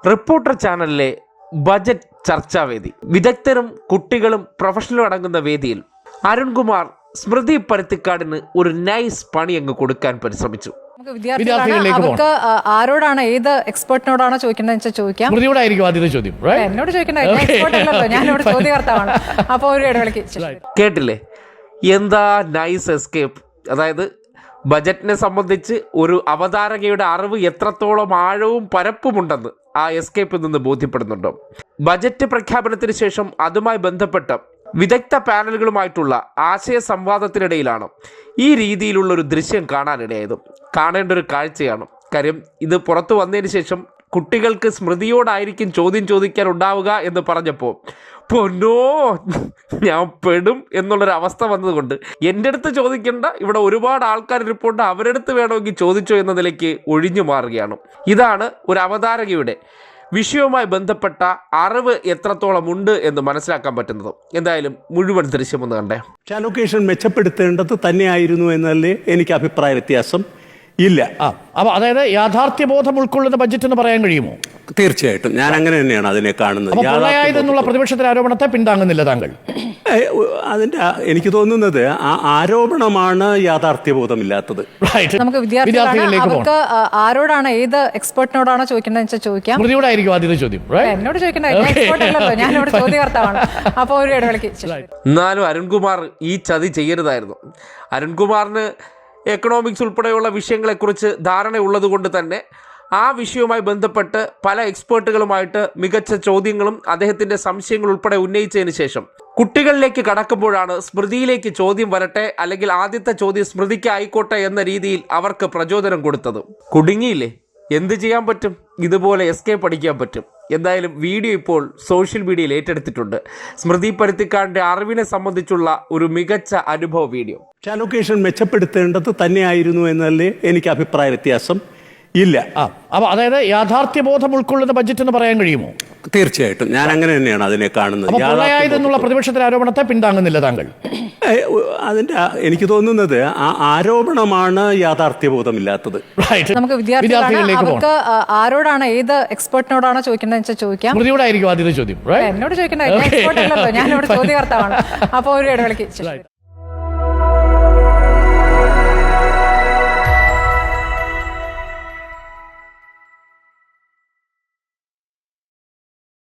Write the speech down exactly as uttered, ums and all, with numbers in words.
Reporter ചാനലിലെ budget ചർച്ചാവേദി വിദഗ്ധരും കുട്ടികളും പ്രൊഫഷണലും അടങ്ങുന്ന വേദിയിൽ അരുൺകുമാർ സ്മൃതി പരുത്തിക്കാടിന് ഒരു നൈസ് പണി അങ്ങ് കൊടുക്കാൻ പരിശ്രമിച്ചു. അവർക്ക് ആരോടാണ്, ഏത് എക്സ്പെർട്ടിനോടാണോ ചോദിക്കേണ്ടത് ചോദിക്കാം. എന്നോട് ചോദിക്കണ്ടല്ലോ, ഞാനിവിടെ ചോദ്യകർത്താവാണ്. അപ്പൊ ഒരു ഇടവേളയ്ക്ക് കേട്ടില്ലേ എന്താ നൈസ് എസ്കേപ്പ്. അതായത് ബജറ്റിനെ സംബന്ധിച്ച് ഒരു അവതാരകയുടെ അറിവ് എത്രത്തോളം ആഴവും പരപ്പുമുണ്ടെന്ന് ആ എസ്കേപ്പിൽ നിന്ന് ബോധ്യപ്പെടുന്നുണ്ടോ. ബജറ്റ് പ്രഖ്യാപനത്തിന് ശേഷം അതുമായി ബന്ധപ്പെട്ട വിദഗ്ധ പാനലുകളുമായിട്ടുള്ള ആശയ സംവാദത്തിനിടയിലാണ് ഈ രീതിയിലുള്ള ഒരു ദൃശ്യം കാണാനിടയായത്. കാണേണ്ട ഒരു കാഴ്ചയാണ്. കാര്യം ഇത് പുറത്തു വന്നതിന് ശേഷം കുട്ടികൾക്ക് സ്മൃതിയോടായിരിക്കും ചോദ്യം ചോദിക്കാൻ ഉണ്ടാവുക എന്ന് പറഞ്ഞപ്പോൾ പൊന്നോ ഞാൻ പെടും എന്നുള്ളൊരവസ്ഥ വന്നതുകൊണ്ട് എൻ്റെ അടുത്ത് ചോദിക്കേണ്ട, ഇവിടെ ഒരുപാട് ആൾക്കാർ ഇരിപ്പുണ്ട്, അവരെടുത്ത് വേണമെങ്കിൽ ചോദിച്ചോ എന്ന നിലയ്ക്ക് ഒഴിഞ്ഞു മാറുകയാണ്. ഇതാണ് ഒരു അവതാരകയുടെ വിഷയവുമായി ബന്ധപ്പെട്ട അറിവ് എത്രത്തോളം ഉണ്ട് എന്ന് മനസ്സിലാക്കാൻ പറ്റുന്നത്. എന്തായാലും മുഴുവൻ ദൃശ്യം ഒന്ന് കണ്ടേ. അലോക്കേഷൻ മെച്ചപ്പെടുത്തേണ്ടത് തന്നെയായിരുന്നു എന്നല്ലേ എനിക്ക് അഭിപ്രായ വ്യത്യാസം ഇല്ല. അപ്പൊ അതായത് യാഥാർത്ഥ്യബോധം ഉൾക്കൊള്ളുന്ന ബഡ്ജറ്റ് എന്ന് പറയാൻ കഴിയുമോ? തീർച്ചയായിട്ടും ഞാൻ അങ്ങനെ തന്നെയാണ് അതിനെ കാണുന്നത്. എന്നുള്ള പ്രതിപക്ഷത്തിന്റെ ആരോപണത്തെ പിന്താങ്ങുന്നില്ല താങ്കൾ? അതിന്റെ എനിക്ക് തോന്നുന്നത് ആ ആരോപണമാണ് യാഥാർത്ഥ്യബോധമില്ലാത്തത്. നമുക്ക് വിദ്യാർത്ഥികൾക്ക് ആരോടാണ്, ഏത് എക്സ്പെർട്ടിനോടാണോ ചോദിക്കേണ്ടത് ചോദിക്കാം. എന്നോട് ചോദിക്കണ്ടല്ലോ, ഞാനിവിടെ ചോദ്യകർത്താവാണ്. അപ്പൊ ഒരു ഇടവേളയ്ക്ക് എന്നാലും അരുൺകുമാർ ഈ ചതി ചെയ്യരുതായിരുന്നു. അരുൺകുമാറിന് എക്കണോമിക്സ് ഉൾപ്പെടെയുള്ള വിഷയങ്ങളെക്കുറിച്ച് ധാരണയുള്ളത് കൊണ്ട് തന്നെ ആ വിഷയവുമായി ബന്ധപ്പെട്ട് പല എക്സ്പേർട്ടുകളുമായിട്ട് മികച്ച ചോദ്യങ്ങളും അദ്ദേഹത്തിൻ്റെ സംശയങ്ങൾ ഉൾപ്പെടെ ഉന്നയിച്ചതിന് ശേഷം കുട്ടികളിലേക്ക് കടക്കുമ്പോഴാണ് സ്മൃതിയിലേക്ക് ചോദ്യം വരട്ടെ, അല്ലെങ്കിൽ ആദ്യത്തെ ചോദ്യം സ്മൃതിക്ക് ആയിക്കോട്ടെ എന്ന രീതിയിൽ അവർക്ക് പ്രചോദനം കൊടുത്തത്. കുടുങ്ങിയില്ലേ, എന്ത് ചെയ്യാൻ പറ്റും, ഇതുപോലെ എസ്കേപ്പ് അടിക്കാൻ പറ്റും. എന്തായാലും വീഡിയോ ഇപ്പോൾ സോഷ്യൽ മീഡിയയിൽ ഏറ്റെടുത്തിട്ടുണ്ട്. സ്മൃതി പരുത്തിക്കാടിൻ്റെ അറിവിനെ സംബന്ധിച്ചുള്ള ഒരു മികച്ച അനുഭവ വീഡിയോ. അലോക്കേഷൻ മെച്ചപ്പെടുത്തേണ്ടത് തന്നെയായിരുന്നു എന്നല്ലേ എനിക്ക് അഭിപ്രായ വ്യത്യാസം ഇല്ല. അപ്പൊ അതായത് യാഥാർത്ഥ്യബോധം ഉൾക്കൊള്ളുന്ന ബഡ്ജറ്റ് എന്ന് പറയാൻ കഴിയുമോ? തീർച്ചയായിട്ടും ഞാൻ അങ്ങനെ തന്നെയാണ് അതിനെ കാണുന്നത്. എന്നുള്ള പ്രതിപക്ഷത്തിന്റെ ആരോപണത്തെ പിന്താങ്ങുന്നില്ല താങ്കൾ? അതിന്റെ എനിക്ക് തോന്നുന്നത് ആ ആരോപണമാണ് യാഥാർത്ഥ്യബോധമില്ലാത്തത്. നമുക്ക് വിദ്യാർത്ഥികൾക്ക് ആരോടാണ്, ഏത് എക്സ്പെർട്ടിനോടാണോ ചോദിക്കേണ്ടത് ചോദിക്കാം. ചോദ്യം എന്നോട് ചോദിക്കണ്ടല്ലോ, ഞാനിവിടെ ചോദ്യകർത്താവാണ്. അപ്പൊ ഒരു ഇടവേളയ്ക്ക്